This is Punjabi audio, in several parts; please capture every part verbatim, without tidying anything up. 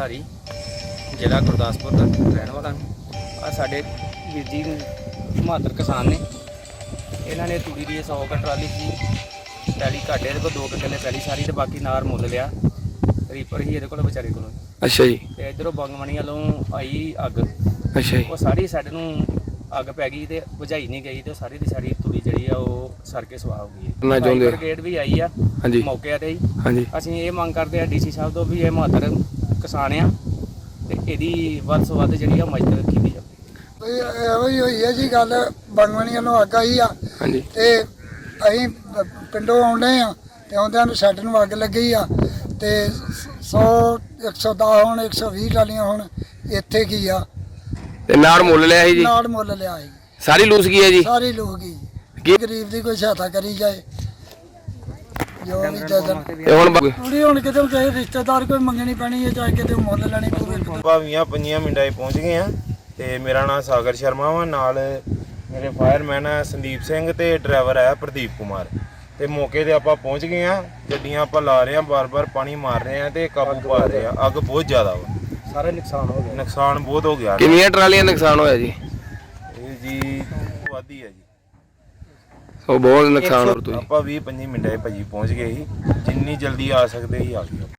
धारी जिला गुरदासपुर का रहने वाला आ साडे वीर जी बहादुर किसान ने इन्होंने तूड़ी की सौ क ट्राली की पैली घाटे को दो किले पैली सारी तो बाकी नार मुल लिया रीपर ही ये को बेचारे को। अच्छा जी। तो इधरों बंगमणी वालों आई अग। अच्छा जी। वो सारी साडे नूं अग पै गई तो बुझाई नहीं गई तो सारी की सारी तूड़ी जी सर के सुहा हो गई। ब्रिगेड भी आई आ मौके ते ही असीं ये मंग करते हैं डी सी साहब तो भी ये बहादुर किसान आ ते इहदी वध तो वध जिहड़ी मदद की जाए। ਇਹੋ ਹੀ ਹੋਈ ਹੈ ਜੀ ਗੱਲ ਬੰਗਵਣੀ ਵੱਲੋਂ ਅੱਗ ਆਈ ਆ ਤੇ ਅਸੀਂ ਪਿੰਡੋਂ ਆਉਂਦੇ ਆ ਤੇ ਆਉਂਦਿਆਂ ਨੂੰ ਸਾਡੇ ਨੂੰ ਅੱਗ ਲੱਗੀ ਆ ਤੇ ਸੌ ਇੱਕ ਸੌ ਦਸ ਹੁਣ ਇੱਕ ਸੌ ਵੀਹ ਟਾਲੀਆਂ ਹੁਣ ਇੱਥੇ ਕੀ ਆ ਤੇ ਨਾੜ ਮੁੱਲ ਲਿਆ ਸੀ ਜੀ। ਨਾੜ ਮੁੱਲ ਲਿਆ ਸੀ ਸਾਰੀ ਲੂਸ ਗਈ ਹੈ ਜੀ। ਸਾਰੀ ਲੂਸ ਗਈ। ਕੀ ਗਰੀਬ ਦੀ ਕੋਈ ਸਹਾਇਤਾ ਕਰੀ ਜਾਏ ਜੋ ਵੀ ਜਦਨ ਤੇ ਹੁਣ ਪੂਰੀ ਹੁਣ ਕਿਤੇ ਕਿਸੇ ਰਿਸ਼ਤੇਦਾਰ ਕੋਈ ਮੰਗਣੀ ਪੈਣੀ ਹੈ ਚਾਹੇ ਕਿਤੇ ਮੁੱਲ ਲੈਣੀ ਪਵੇ। ਭਾਵੀਆਂ ਪੰਜੀਆਂ ਮਿੰਟਾਂ 'ਚ ਪਹੁੰਚ ਗਏ ਆ ਤੇ ਮੇਰਾ ਨਾਮ ਸਾਗਰ ਸ਼ਰਮਾ ਵਾ ਨਾਲ ਮੇਰੇ ਫਾਇਰਮੈਨ ਆ ਸੰਦੀਪ ਸਿੰਘ ਤੇ ਡਰਾਈਵਰ ਆ ਪ੍ਰਦੀਪ ਕੁਮਾਰ ਤੇ ਮੌਕੇ ਤੇ ਆਪਾਂ ਪਹੁੰਚ ਗਏ ਆ। ਗੱਡੀਆਂ ਆਪਾਂ ਲਾ ਰਹੇ ਆ ਬਾਰ-ਬਾਰ ਪਾਣੀ ਮਾਰ ਰਹੇ ਆ ਤੇ ਕਾਬੂ ਪਾ ਰਹੇ ਆ। ਅੱਗ ਬਹੁਤ ਜ਼ਿਆਦਾ ਵਾ ਸਾਰਾ ਨੁਕਸਾਨ ਹੋ ਗਿਆ। ਨੁਕਸਾਨ ਬਹੁਤ ਹੋ ਗਿਆ। ਕਿੰਨੀਆਂ ਟਰਾਲੀਆਂ ਨੁਕਸਾਨ ਹੋਇਆ ਜੀ? ਇਹ ਜੀ ਵਾਦੀ ਹੈ ਜੀ। ਸੋ ਬਹੁਤ ਨੁਕਸਾਨ ਹੋ ਰਿਹਾ। ਆਪਾਂ ਵੀਹ ਪੱਚੀ ਮਿੰਟਾਂ 'ਚ ਭਾਜੀ ਪਹੁੰਚ ਗਏ ਸੀ ਜਿੰਨੀ ਜਲਦੀ ਆ ਸਕਦੇ ਸੀ ਆ ਗਏ।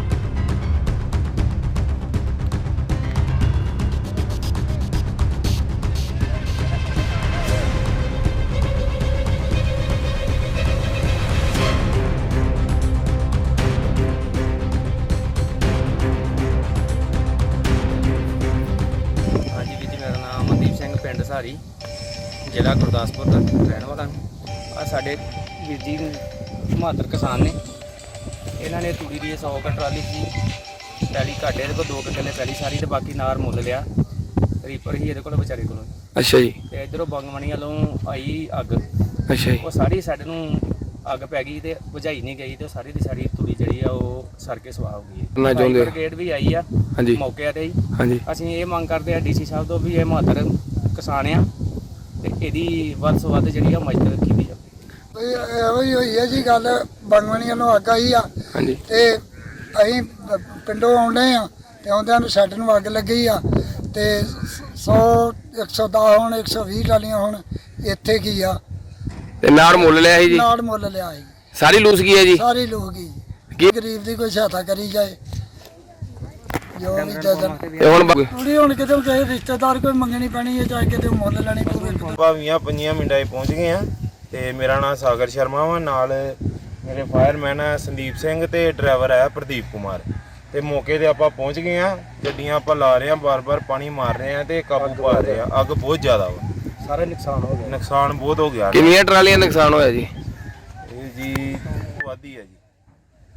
पिंड धारी जिला गुरदासपुर का रहने वाला आ साडे वीर जी बहादुर किसान ने इन्होंने तूड़ी की सौ क ट्राली की पैली घाटे को दो किले पैली सारी तो बाकी नार मुल लिया रीपर ही ये को बेचारे को। अच्छा जी। तो इधरों बंगमणी वालों आई अग। अच्छा जी। वो सारी साडे नूं अग पै गई तो बुझाई नहीं गई तो सारी की सारी तूड़ी जी सर के सुहा हो गई। ब्रिगेड भी आई आ मौके ते ही असीं ये मंग करते हैं डी सी साहब तो भी ये बहादुर किसान आ ਤੇ ਇਹਦੀ ਵੱਧ ਤੋਂ ਵੱਧ ਜਿਹੜੀ ਆ ਮਦਦ ਕੀਤੀ ਜਾਵੇ। ਇਹੋ ਹੀ ਹੋਈ ਹੈ ਜੀ ਗੱਲ ਬੰਗਵਣੀ ਵੱਲੋਂ ਅੱਗ ਆਈ ਆ ਤੇ ਅਸੀਂ ਪਿੰਡੋਂ ਆਉਂਦੇ ਆ ਤੇ ਆਉਂਦਿਆਂ ਨੂੰ ਸਾਡੇ ਨੂੰ ਅੱਗ ਲੱਗੀ ਆ ਤੇ ਸੌ ਇੱਕ ਸੌ ਦਸ ਹੁਣ ਇੱਕ ਸੌ ਵੀਹ ਟਾਲੀਆਂ ਹੁਣ ਇੱਥੇ ਕੀ ਆ ਤੇ ਨਾੜ ਮੁੱਲ ਲਿਆ ਸੀ ਜੀ। ਨਾੜ ਮੁੱਲ ਲਿਆ ਸੀ ਸਾਰੀ ਲੂਸ ਗਈ ਹੈ ਜੀ। ਸਾਰੀ ਲੂਸ ਗਈ। ਕੀ ਗਰੀਬ ਦੀ ਕੋਈ ਸਹਾਇਤਾ ਕਰੀ ਜਾਏ ਜੋ ਵੀ ਜਦਨ ਤੇ ਹੁਣ ਪੂਰੀ ਹੁਣ ਕਿਤੇ ਕਿਸੇ ਰਿਸ਼ਤੇਦਾਰ ਕੋਈ ਮੰਗਣੀ ਪੈਣੀ ਹੈ ਚਾਹੇ ਕਿਤੇ ਮੁੱਲ ਲੈਣੀ ਪਵੇ। ਭਾਵੀਆਂ ਪੰਜੀਆਂ ਮਿੰਟਾਂ 'ਚ ਪਹੁੰਚ ਗਏ ਆ ਤੇ ਮੇਰਾ ਨਾਮ ਸਾਗਰ ਸ਼ਰਮਾ ਵਾ ਨਾਲ ਮੇਰੇ ਫਾਇਰਮੈਨ ਆ ਸੰਦੀਪ ਸਿੰਘ ਤੇ ਡਰਾਈਵਰ ਆ ਪ੍ਰਦੀਪ ਕੁਮਾਰ ਤੇ ਮੌਕੇ ਤੇ ਆਪਾਂ ਪਹੁੰਚ ਗਏ ਆ। ਗੱਡੀਆਂ ਆਪਾਂ ਲਾ ਰਹੇ ਆ ਬਾਰ-ਬਾਰ ਪਾਣੀ ਮਾਰ ਰਹੇ ਆ ਤੇ ਕਾਬੂ ਪਾ ਰਹੇ ਆ। ਅੱਗ ਬਹੁਤ ਜ਼ਿਆਦਾ ਵਾ ਸਾਰਾ ਨੁਕਸਾਨ ਹੋ ਗਿਆ। ਨੁਕਸਾਨ ਬਹੁਤ ਹੋ ਗਿਆ। ਕਿੰਨੀਆਂ ਟਰਾਲੀਆਂ ਨੁਕਸਾਨ ਹੋਇਆ ਜੀ? ਇਹ ਜੀ ਵਾਦੀ ਹੈ ਜੀ।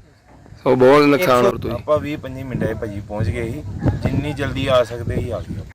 ਸੋ ਬਹੁਤ ਨੁਕਸਾਨ ਹੋ ਰਿਹਾ। ਆਪਾਂ ਵੀਹ ਪੱਚੀ ਮਿੰਟਾਂ 'ਚ ਭਾਜੀ ਪਹੁੰਚ ਗਏ ਸੀ ਜਿੰਨੀ ਜਲਦੀ ਆ ਸਕਦੇ ਸੀ ਆ ਗਏ।